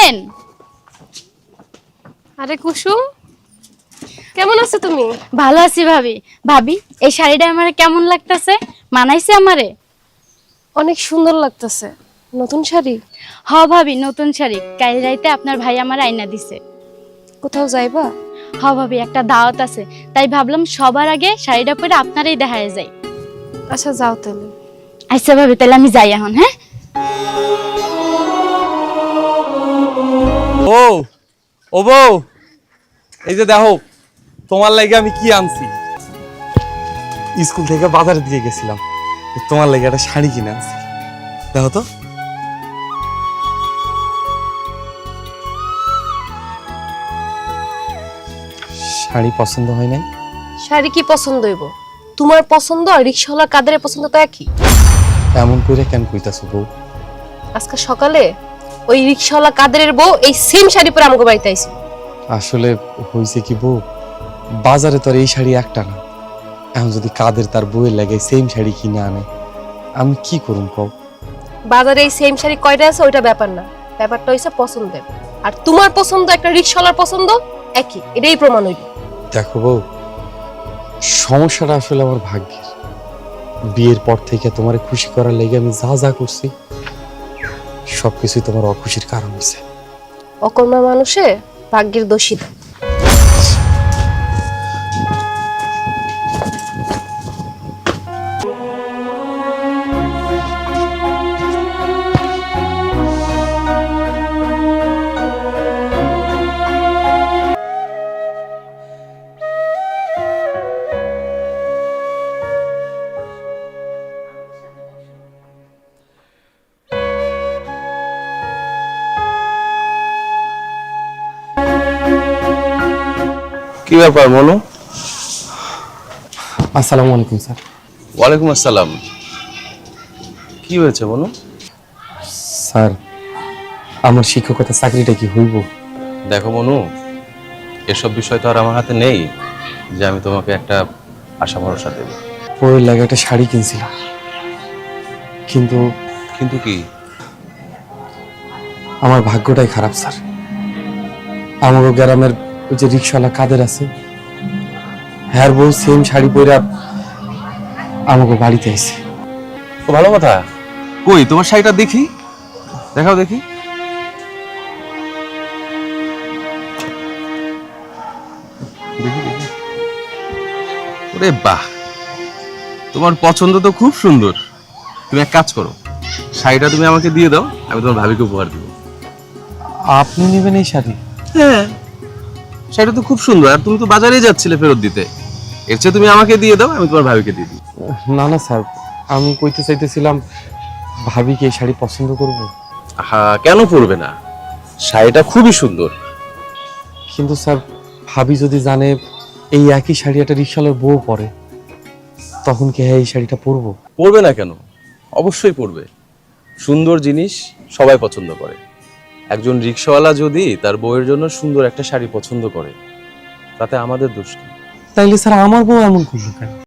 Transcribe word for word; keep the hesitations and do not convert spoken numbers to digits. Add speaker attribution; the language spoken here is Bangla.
Speaker 1: আসেন।
Speaker 2: আরে কুসুম, কেমন আছো তুমি?
Speaker 1: ভালো আছি ভাবি। ভাবি, এই শাড়িটা আমারে কেমন লাগতেছে? মানাইছে আমারে?
Speaker 2: অনেক সুন্দর লাগতেছে। নতুন শাড়ি?
Speaker 1: হ ভাবি, নতুন শাড়ি। কাল রাইতে আপনার ভাই আমার আইনা দিছে।
Speaker 2: কোথাও যাইবা?
Speaker 1: হ ভাবি, একটা দাওয়াত আছে, তাই ভাবলাম সবার আগে শাড়িটা পরে আপনারই দেখায় যাই।
Speaker 2: আচ্ছা যাও তাহলে।
Speaker 1: আচ্ছা ভাবি, তাহলে আমি যাই এখন। হ্যাঁ
Speaker 3: ও ও বউ, এই যে দেখো তোমার লাগে আমি কি আনছি। স্কুল থেকে বাজারের দিকে গেছিলাম, তোমার লাগে একটা শাড়ি কিনে আনছি। দেখো তো। শাড়ি পছন্দ হয় নাই?
Speaker 2: শাড়ি কি পছন্দ হইব? তোমার পছন্দ আর রিক্সাওয়ালা কাদেরের পছন্দ তো একই।
Speaker 3: এমন করে কেন কইতাছো বউ?
Speaker 2: আজকে সকালে ওই রিক্সাওয়ালা কাদেরের বউ এই সেম শাড়ি পরে আমাকে বাড়িতে আইছে।
Speaker 3: আসলে হইছে কি বউ, বাজারে তো আর এই শাড়ি একটা না। এখন যদি কাদের তার বউয়ের লাগে সেম শাড়ি কিনে আনে, আমি কি করুম কও?
Speaker 2: বাজারে এই সেম শাড়ি কয়টা আছে ওইটা ব্যাপার না, ব্যাপারটা হইছে পছন্দের। আর তোমার পছন্দ একটা রিক্সাওয়ালার পছন্দ একই, এটাই প্রমাণ হইল।
Speaker 3: দেখো বউ, সমস্যাটা আসলে আমার ভাগ্যের। বিয়ের পর থেকে তোমার খুশি করার লেগে আমি যা যা করছি সবকিছুই তোমার অখুশির কারণ হয়েছে।
Speaker 2: অকর্মা মানুষে ভাগ্যের দোষী না।
Speaker 4: কি ব্যাপার মনু?
Speaker 3: আসসালামু আলাইকুম স্যার।
Speaker 4: ওয়ালাইকুম আসসালাম। কি হয়েছে মনু?
Speaker 3: স্যার, আমার শিক্ষকতা চাকরিটা কি হইব?
Speaker 4: দেখো মনু, এসব বিষয় তো আর আমার হাতে নেই যে আমি তোমাকে একটা আশা ভরসা দেব।
Speaker 3: বউয়ের লাগে একটা শাড়ি কিনছিলাম, কিন্তু
Speaker 4: কিন্তু কি?
Speaker 3: আমার ভাগ্যটাই খারাপ স্যার। আমার গ্রামের ওই যে রিক্সাওয়ালা কাদের আছে, হ্যার বউ সেম শাড়ি পরে আমাকে বাড়িতে আইছে।
Speaker 4: তো ভালো কথা। কই তোমার শাড়িটা দেখি, দেখাও দেখি। দেখি দেখি। ওরে বাহ, তোমার পছন্দ তো খুব সুন্দর। তুমি এক কাজ করো, শাড়িটা তুমি আমাকে দিয়ে দাও, আমি তোমার ভাবিকে উপহার দিব।
Speaker 3: আপনি নেবেন এই শাড়ি?
Speaker 4: হ্যাঁ, শাড়িটা তো খুব সুন্দর, আর তুমি তো বাজারেই যাচ্ছিলে ফেরত দিতে। এর চেয়ে তুমি আমাকে দিয়ে দাও, আমি তোমার ভাবিকে দিয়ে দিই।
Speaker 3: না না স্যার, আমি কইতে চাইতেছিলাম ভাবি কি এই শাড়ি পছন্দ করবে।
Speaker 4: হ্যাঁ, কেন পরবে না? শাড়িটা খুবই সুন্দর।
Speaker 3: কিন্তু স্যার, ভাবি যদি জানে এই একই শাড়ি একটা রিক্সাওয়ালার বউ পরে, তখন কি হ্যাঁ এই শাড়িটা পরবো?
Speaker 4: পরবে না কেন? অবশ্যই পরবে। সুন্দর জিনিস সবাই পছন্দ করে। একজন রিক্সাওয়ালা যদি তার বউয়ের জন্য সুন্দর একটা শাড়ি পছন্দ করে, তাতে আমাদের দোষ কি?
Speaker 3: তাইলে স্যার আমার বউ এমন করলো কেন?